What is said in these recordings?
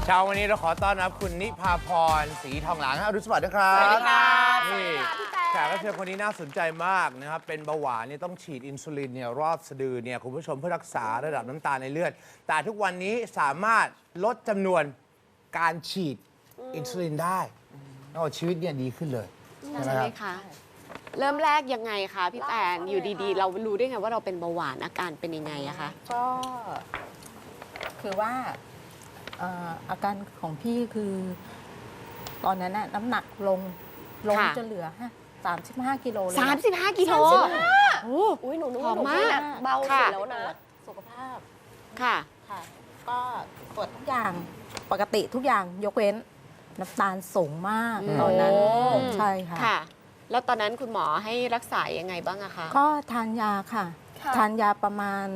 เช้าวันนี้เราขอต้อนรับคุณนิพาพรศรีทองหลางอรุณสวัสดิ์นะครับสวัสดีค่ะนี่แขกรับเชิญคนนี้น่าสนใจมากนะครับเป็นเบาหวานเนี่ยต้องฉีดอินซูลินเนี่ยรอบสะดือเนี่ยคุณผู้ชมเพื่อรักษาระดับน้ำตาลในเลือดแต่ทุกวันนี้สามารถลดจำนวนการฉีดอินซูลินได้ชีวิตเนี่ยดีขึ้นเลยใช่ไหมคะเริ่มแรกยังไงคะพี่แตนอยู่ดีๆ เรารู้ได้ไงว่าเราเป็นเบาหวานอาการเป็นยังไงอะคะก็คือว่าอาการของพี่คือตอนนั้นน่ะน้ำหนักลงจะเหลือ35 กิโลเลย 35 กิโลโอ้อุ้ยหนูนึกผอว่าม หนูมากเบาสุค่ะดแล้วนะสุขภาพค่ะค่ะ ก็ตรวจทุกอย่างปกติทุกอย่างยกเว้นน้ำตาลสูงมากตอนนั้นโอ้ใช่ค่ะค่ะ แล้วตอนนั้นคุณหมอให้รักษายังไงบ้างอะคะก็ทานยาค่ะค่ะทานยาประมาณ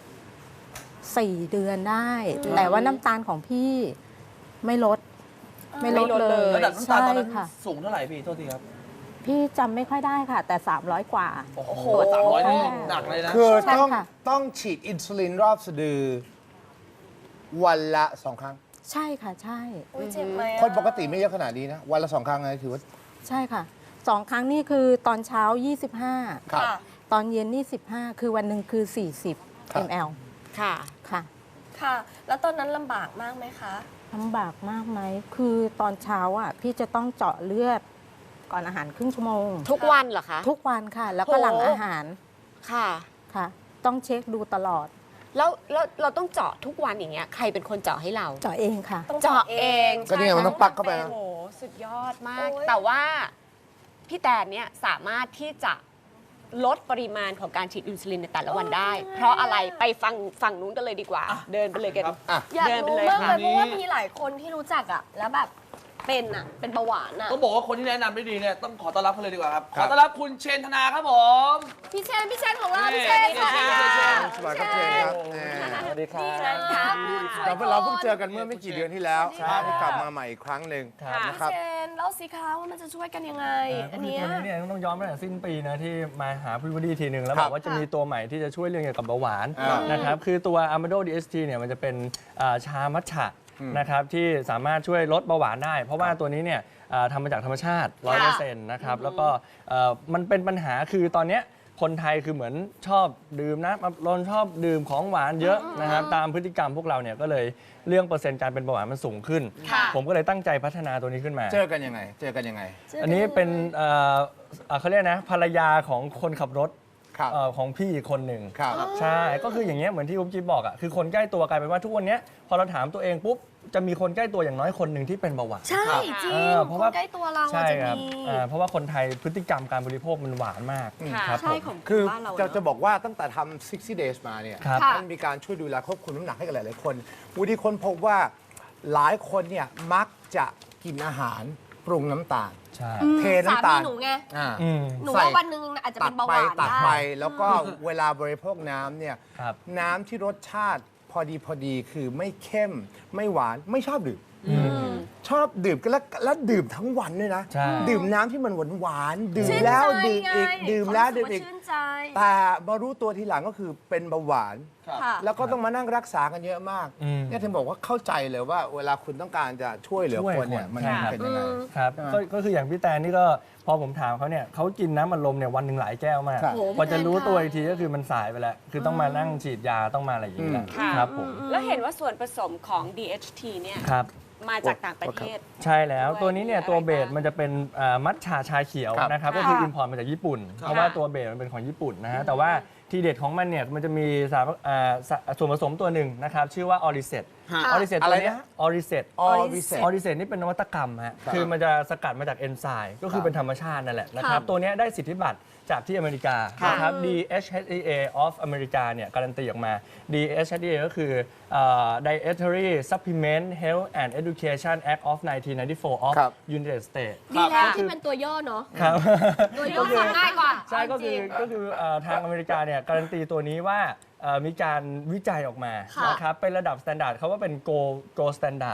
4 เดือนได้ แต่ว่าน้ำตาลของพี่ไม่ลดเลยระดับน้ำตาลตอนนั้นใช่ค่ะสูงเท่าไหร่พี่โทษทีครับพี่จำไม่ค่อยได้ค่ะ แต่ 300 กว่าโอ้โห300นี่หนักเลยนะคือใช่ต้องค่ะต้องฉีดอินซูลินรอบสะดือวันละ2 ครั้งใช่ค่ะใช่อุ้ยเจ็บไหมอะคนปกติไม่เยอะขนาดนี้นะวันละ2 ครั้งนะถือว่าใช่ค่ะ2 ครั้งนี่คือตอนเช้า 25 ครับค่ะตอนเย็นนี่15 คือวันหนึ่งคือครับ 40 ml ค่ะค่ะค่ะ แล้วตอนนั้นลำบากมากไหมคะลำบากมากไหม คือตอนเช้าอ่ะพี่จะต้องเจาะเลือดก่อนอาหารครึ่งชั่วโมงทุกวันเหรอคะทุกวันค่ะ แล้วก็โหหลังอาหารค่ะค่ะ ต้องเช็คดูตลอดแล้วเราต้องเจาะทุกวันอย่างเงี้ยใครเป็นคนเจาะให้เราเจาะเองค่ะต้องเจาะเองก็นี่ไงมันต้องปักเข้าไปนะโอ้โหสุดยอดมากโอ้ยแต่ว่าพี่แตนเนี่ยสามารถที่จะลดปริมาณของการฉีดอินซูลินในแต่ละวันได้ เพราะอะไรไปฟังฝั่งนู้นกันเลยดีกว่า เดินไปเลยกันครับอ่ะอยากเดินไปรู้เลยมากค่ะเลยเพราะว่ามีหลายคนที่รู้จักอะแล้วแบบเป็นเบาหวานอะต้องบอกว่าคนที่แนะนำได้ดีเนี่ยต้องขอต้อนรับเขาเลยดีกว่าครับคขรับอต้อนรับคุณเชนธนาครับผมพี่เชนของเรานี่พี่เชนค่ะสวัสดีครับเชนครับแน่สวัสดีครับนี่นะคะคุณช่วยเราเพิ่งเจอกันเมื่อไม่กี่เดือนที่แล้วใช่ภาพที่กลับมาใหม่อีกครั้งหนึ่งครับนะครับพี่เชนเล่าสิคะว่ามันจะช่วยกันยังไงก็อันคือเนี้ยตัวนี้เนี่ยต้องย้อนไปตั้งแต่สิ้นปีนะที่มาหาพี่วดีทีหนึ่งแล้วครับบอกว่าจะมีตัวใหม่ที่จะช่วยเรื่องเกี่ยวกับเบาหวานอ่านนะครับคือตัว Amado DST เนี่ยมันจะเป็นชามัทฉะอืมนะครับที่สามารถช่วยลดเบาหวานได้ เพราะว่าตัวนี้เนี่ยทำมาจากธรรมชาติ 100%นะครับแล้วก็มันเป็นปัญหาคือตอนเนี้ยคนไทยคือเหมือนชอบดื่มนะเราชอบดื่มของหวานเยอะนะครับตามพฤติกรรมพวกเราเนี่ยก็เลยเรื่องเปอร์เซ็นต์การเป็นเบาหวานมันสูงขึ้นค่ะผมก็เลยตั้งใจพัฒนาตัวนี้ขึ้นมาเจอกันยังไงอันนี้เป็นเขาเรียกนะภรรยาของคนขับรถครับของพี่อีกคนหนึ่งครับใช่ก็คืออย่างเงี้ยเหมือนที่อุ๊บจิ๊บบอกอ่ะคือคนใกล้ตัวกลายเป็นว่าทุกวันเนี้ยพอเราถามตัวเองปุ๊บจะมีคนใกล้ตัวอย่างน้อยคนหนึ่งที่เป็นเบาหวานใช่จริงเพคราะนว่าใกล้ตัวเราอะใช่จะครับมีเพราะว่าคนไทยพฤติกรรมการบริโภคมันหวานมากค่ะครับใช่ผมของคือบ้านเราจะเนอะบอกว่าตั้งแต่ทำ60 days มาเนี่ยครับค่ะมันมีการช่วยดูแลควบคุมน้ำหนักให้กับหลาย ๆ คนวูดี้ค้นพบว่าหลายคนเนี่ยมักจะกินอาหารปรุงน้ำตาลใช่เทน้ำตาลสมีหนูไงอ่าอืมหนูใส่ว่าวันหนึ่งอาจจะตัเป็ดนเบาหไปวานตัดได้ไปแล้วก็เวลาบริโภคน้ำเนี่ยครับน้ำที่รสชาติพอดีคือไม่เข้มไม่หวานไม่ชอบดื่มชอบดื่มกันแล้วดื่มทั้งวันด้วยนะใช่ดื่มน้ำที่มันหวานๆดื่มชื่นแล้วใจดื่มอีกไงดื่มแล้วดื่มความอีกรู้สึว่าชื่นใจแต่มารู้ตัวทีหลังก็คือเป็นเบาหวานค่ะแล้วก็ต้องมานั่งรักษากันเยอะมากอืมเนี่ยถึงบอกว่าเข้าใจเลยว่าเวลาคุณต้องการจะช่วยเหลือช่วยคนเนี่ยคนมันใช่ครับเป็นยังไงครับก็คืออย่างพี่แตนนี่ก็พอผมถามเขาเนี่ยเขากินน้ำอัดลมเนี่ยวันหนึ่งหลายแก้วมากครับพอจะรู้ตัวอีกทีก็คือมันสายไปแล้ว คือต้องมานั่งฉีดยาต้องมาอะไรอย่างนี้แหละค่ะครับผมแล้วเห็นว่าส่วนผสมของ DHT เนี่ยครับมาจากต่างประเทศใช่แล้วด้วยตัวนี้เนี่ยมีอะไรตัวเบสบ้างมันจะเป็นมัทฉะชาเขียวครับนะครับค่ะก็คืออิมพอร์ตมาจากญี่ปุ่น เพราะว่าตัวเบสมันเป็นของญี่ปุ่นนะฮะแต่ว่าทีเด็ดของมันเนี่ยมันจะมีส่วนผสมตัวหนึ่งนะครับชื่อว่าออริเซตฮะออริเซตอะตัไรวเนี้นะออริเซตออริเซตออริเซตนี่เป็นนวัตกรรมฮะครับคือมันจะสกัดมาจากเอนไซม์ก็คือเป็นธรรมชาตินั่นแหละนะครับตัวเนี้ยได้สิทธิบัตรจากที่อเมริกานะครับ DHEA of อเมริกาเนี่ยการันตีออกมา DHEA ก็คือ Dietary Supplement Health and Education Act of 1994 of ครับ United States ดีแล้วที่เป็นตัวย่อเนาะครับตัวย่อฟังง่ายกว่าใช่ก็คือทางอเมริกาเนี่ยการันตีตัวนี้ว่ามีการวิจัยออกมาค่ะนะครับเป็นระดับ standard เขาว่าเป็น gold standard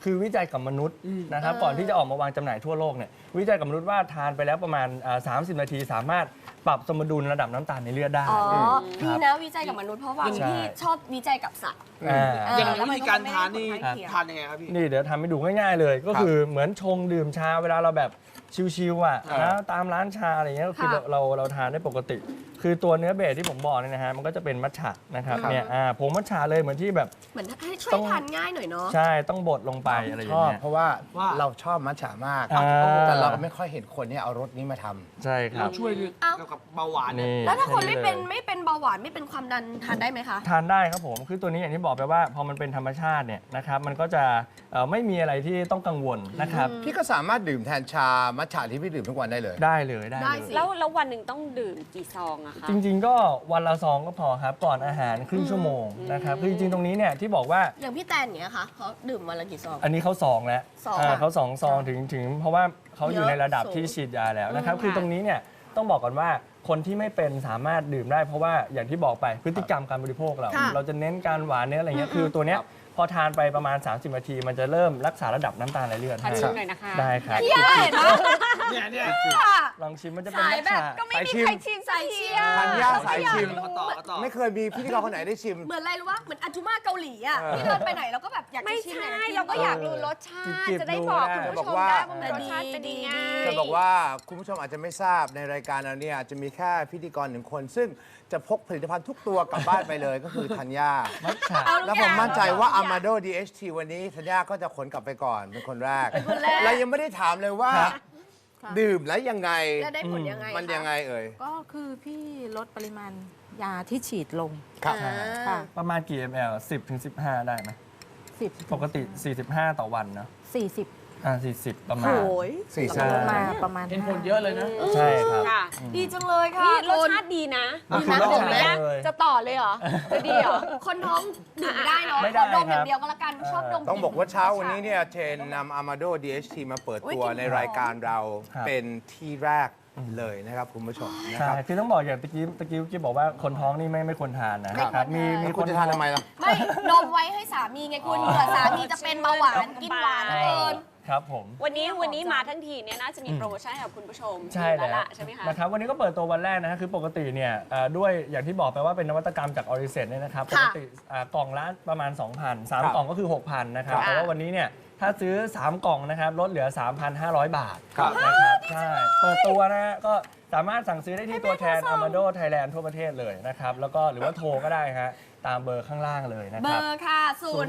คือวิจัยกับมนุษย์นะครับก่อนที่จะออกมาวางจำหน่ายทั่วโลกเนี่ยวิจัยกับมนุษย์ว่าทานไปแล้วประมาณ30 นาทีสามารถปรับสมดุลระดับน้ำตาลในเลือดได้อ๋อคดีรับนะวิจัยกับมนุษย์เพราะว่าใช่พี่ชอบวิจัยกับสัตว์อย่างแล้วมันวิธีการทานนี่ก็ไม่ได้ผลข้างเคียงทานยังไงครับพี่นี่เดี๋ยวทำให้ดูง่ายๆเลย ก็คือเหมือนชงดื่มชาเวลาเราแบบชิวๆอ่ะครับนะตามร้านชาอะไรเงี้ยก็คือค่ะเราทานได้ปกติ คือตัวเนื้อเบสที่ผมบอกเนี่ยนะฮะมันก็จะเป็นมัทฉะนะครับเนี่ยผงมัทฉะเลยเหมือนที่แบบเหมือนให้ช่วต้ยองทานง่ายหน่อยเนาะใช่ต้องบดลงไปอะไรอชย่างอบเงี้ยเพราะว่าว่าเราชอบมัทฉะมากอ่าแต่เราก็ไม่ค่อยเห็นคนเนี่ยเอารสนี้มาทำใช่ครัเราบช่วยเกี่ยวกับเบาหวานเนี่ยนี่แล้วถ้าคนไม่แลยเป็นเบาหวานไม่เป็นความดันทานได้ไหมคะทานได้ครับผม คือตัวนี้อย่างที่บอกไปว่าพอมันเป็นธรรมชาติเนี่ยนะครับมันก็จะไม่มีอะไรที่ต้องกังวลนะครับพี่ก็สามารถดื่มแทนชามัทฉะที่พี่ดื่มทุกวันได้เลยได้เลยได้ได้เลยสิแล้ววันหนึ่งต้องดื่มกี่ซองอะคะจริงๆก็วันละซองก็พอครับก่อนอาหารครึ่งชั่วโมงนะครับคือจริงๆตรงนี้เนี่ยที่บอกว่าอย่างพี่แตนเนี้ยค่ะเขาดื่มวันละกี่ซองอันนี้เขาซองแล้วซองเขา2 ซองถึงเพราะว่าเขาอยู่เยอะในระดับสูงที่ฉีดยาแล้วนะครับอืมคือค่ะตรงนี้เนี่ยต้องบอกก่อนว่าคนที่ไม่เป็นสามารถดื่มได้ เพราะว่าอย่างที่บอกไปพฤติกรรมการบริโภคเราค่ะเราจะเน้นการหวานเนื้ออะไรเงี้ยคือตัวเนี้ยพอทานไปประมาณ 30 นาที มันจะเริ่มรักษาระดับน้ำตาลในเลือดขอให้ชิมหน่อยนะคะได้ครับพี่ย่าเห็นไหมเนี่ยลองชิมมันจะเป็นสายมัทแบบฉะก็ไม่มีใครชิมสักทีอะธัญญาสายชิมมาต่อไม่เคยมีพิธีกรคนไหนได้ชิมเหมือนอะไรรู้ว่าเหมือนอาจุมาเกาหลีอ่ะที่เดินไปไหนเราก็แบบอยากจะไม่ชิมใช่อยากจะชิมเราก็อยากรู้รสชาติจิบๆจะได้บอกดูคุณได้ผู้ชมได้ว่ามันรสชาติเป็นยังไงจะบอกว่าคุณผู้ชมอาจจะไม่ทราบในรายการเราเนี่ยจะมีแค่พิธีกรหนึ่งคน ซึ่งจะพกผลิตภัณฑ์ทุกตัวกลับบ้านไปเลยก็คือธัญญามัทฉะแล้วผมมั่นใจว่า Amado DHT วันนี้ธัญญาก็จะขนกลับไปก่อนเป็นคนแรกและยังไม่ได้ถามเลยว่าครับดื่มแล้วยังไงแล้วได้ผลยังไงมันยังไงเอ่ยก็คือพี่ลดปริมาณยาที่ฉีดลงครับค่ะประมาณกี่ ml 10 ถึง 15 ได้ไหม 10 ปกติ 45 ต่อวันเนาะ 40 40 ประมาณโอ้ยสี่ใช่สิบมาประมาณเห็นผลเยอะเลยนะใช่ครับค่ะดีจังเลยค่ะนี่รสคนชาติดีนะมันคือน้ำรสผมชาติเนี่ยเลยจะต่อเลยเหรอ จะดีเหรอคนท้องดื่มไม่ได้เนาะไม่ขได้อดมอย่าครังบเดียวก็แล้วกันชอบดมต้องบอกว่าเช้าวันนี้เนี่ยเชนนำ Amado DHT มาเปิดตัวในรายการเราครับเป็นที่แรกเลยนะครับคุณผู้ชมนะใช่ครับคือต้องบอกอย่างตะกี้บอกว่าคนท้องนี่ไม่ควรทานนะครับมีคุณจะทานทำไมล่ะไม่ดมไว้ให้สามีไงคุณเผื่อสามีจะเป็นเบาหวานกินหวานเกินครับผมวันนี้มาทั้งทีเนี่ยน่าจะมีโปรโมชั่นให้กับคุณผู้ชมใช่แล้วแล้วล่ะใช่ไหมคะนะครับวันนี้ก็เปิดตัววันแรกนะฮะคือปกติเนี่ยด้วยอย่างที่บอกไปว่าเป็นนวัตกรรมจากออริเซนเนี่ยนะครับปค่ะกติกล่องละประมาณ 2,000 3 กล่องก็คือ 6,000 นะครับค่ะแต่ว่าวันนี้เนี่ยถ้าซื้อ 3 กล่องนะครับลดเหลือ 3,500 บาทครับนะครับใช่เปิดตัวนะฮะก็สามารถสั่งซื้อได้ที่ตัวแทน Amado Thailand ทั่วประเทศเลยนะครับแล้วก็หรือว่าโทรก็ได้ฮะตามเบอร์ข้างล่างเลยนะเบคอรับร์ค่ะ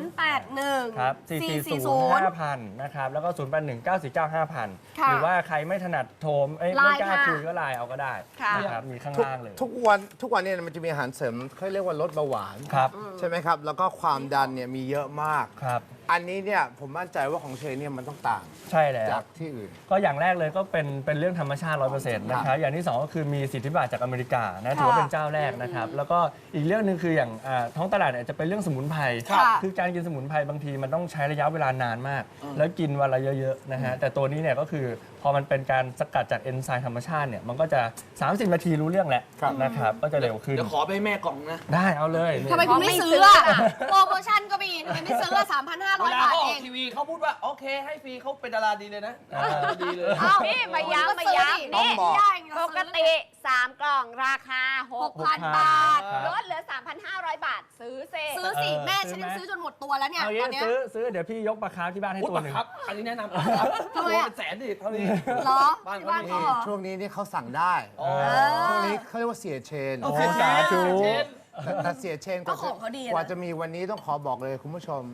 081 ครับ 440 5,000 นะครับ แล้วก็ 081 949 5,000 ค่ะหรือว่าใครไม่ถนัดโทรไม่ไลน์กล้าค่ะคุยก็ไลน์เอาก็ได้ค่ะนะครับ มีข้างทุกล่างเลยทุกวันเนี่ยมันจะมีอาหารเสริมเขาเรียกว่าลดเบาหวานครับใช่ไหมครับ แล้วก็ความดันเนี่ยมีเยอะมากครับอันนี้เนี่ยผมมั่นใจว่าของเชนเนี่ยมันต้องต่างใช่แล้วจากที่อื่นก็อย่างแรกเลยก็เป็นเรื่องธรรมชาติ 100% นะครับ อย่างที่ 2 ก็คือมีสิทธิบัตรจากอเมริกานะถือว่าเป็นเจ้าแรกนะครับ แล้วก็อีกเรื่องหนึ่งคืออย่างท้องตลาดเนี่ยจะเป็นเรื่องสมุนไพรค่ะคือการกินสมุนไพรบางทีมันต้องใช้ระยะเวลานานมาก แล้วกินวันละเยอะๆนะฮะ แต่ตัวนี้เนี่ยก็คือพอมันเป็นการสกัดจากเอนไซม์ธรรมชาติเนี่ยมันก็จะ 30 นาทีรู้เรื่องแหละครับนะครับ ก็จะเร็วขึ้นเดี๋ยวขอไปให้แม่กล่องนะได้เอาเลยนี่ทำไมคุณไม่ซื้ออะโปรโมชั่นก็มีทำไมไม่ซื้ออะเว 3,500 ลาบาทเขาอเออกงทีวีเขาพูดว่า โอเค ให้ฟรีเขาเป็นดาราดีเลยนะดีเลยเอ้านี่มาย้ำก็ซื้อดิต้องบอกได้ไงปกติ 3 กล่องราคา 6,000 บาทลดเหลือ 3,500 บาท ซื้อเซซื้อสิ แม่ฉันยังซื้อจนหมดตัวแล้วเนี่ยเอาตงี้อนเนี้ยซื้อเดี๋ยวพี่ยกปลาคาร์ฟที่บ้านให้อุ๊ยตัวหนึ่งครับ อันนี้แนะนำครับทำไมตัวอะเป็นแสนดิเท่านี้เหรอบ้านที่เขาบ้านมีเขาเหรอช่วงนี้นี่เขาสั่งได้อ๋อช่วงนี้เขาเรียกว่าเสียเชนโอ้สาธุแต่เสียเชนก็ของเขาดีอะนะกว่าจะมีวันนี้ต้องขอบอกเลยคุณผู้ชม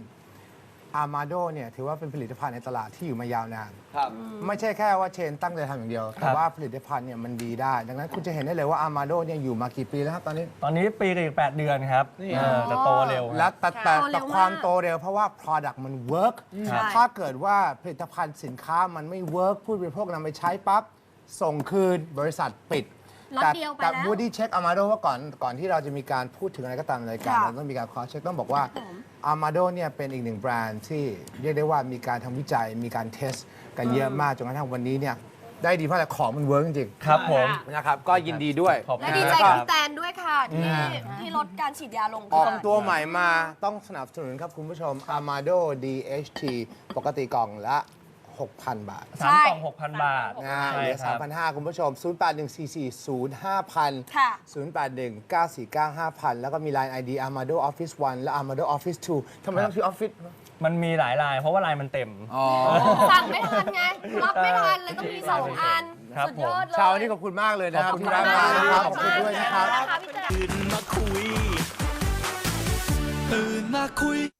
Amado เนี่ยถือว่าเป็นผลิตภัณฑ์ในตลาดที่อยู่มายาวนานครับไม่ใช่แค่ว่าเชนตั้งใจทำอย่างเดียว แต่ว่าผลิตภัณฑ์เนี่ยมันดีได้ ดังนั้นคุณจะเห็นได้เลยว่า Amado เนี่ยอยู่มากี่ปีแล้วครับตอนนี้ตอนนี้ปีกับอีก8 เดือนครับนี่แต่โตเร็วและครับแต่โตเร็วมากแต่ความโตเร็วเพราะว่า Product มัน work ใช่ถ้าเกิดว่าผลิตภัณฑ์สินค้ามันไม่ work ผู้บริโภคนำไปใช้ปั๊บ ส่งคืนบริษัทปิดล็อตเดียวไปแต่แล้ว Woody เช็ค Amado ว่าก่อนที่เราจะมีการพูดถึงอะไรก็ตามในรายการค่ะเราต้องมีการขอเช็คต้องบอกว่า Amado เนี่ยเป็นอีกหนึ่งแบรนด์ที่เรียกได้ว่ามีการทำวิจัยมีการเทสกันเยอะมากจนกระทั่งวันนี้เนี่ยได้ดีเพราะอะไรของมันเวิร์กจริงครับผมๆนะครับก็ยินดีด้วยขอบคุและณดีคใจรับกับพี่แตนด้วยค่ะ ที่ลดการฉีดยาลงออกตัวใหม่มาต้องสนับสนุนครับคุณผู้ชม Amado DHT ปกติกล่องละ 6,000 บาทสามกล่อง 6,000 บาทนะเหใช่ลือครับ 3,500 คุณผู้ชม 0814405000 ค่ะ 0819495000 แล้วก็มี Line ID Amado Office 1 และ Amado Office 2 ทำไมต้องชื่อ Office มันมีหลายลายเพราะว่าลายมันเต็มอ๋อสั่งไม่ทันไง รับไม่ทันเลยต้องมี 2 อันครับสุดยอดเลยเช้านี้ขอบคุณมากเลยนะครับขอบคุณที่แวะมานะครับ ขอบคุณด้วยนะครับนะคะพี่แตนตื่นมาคุย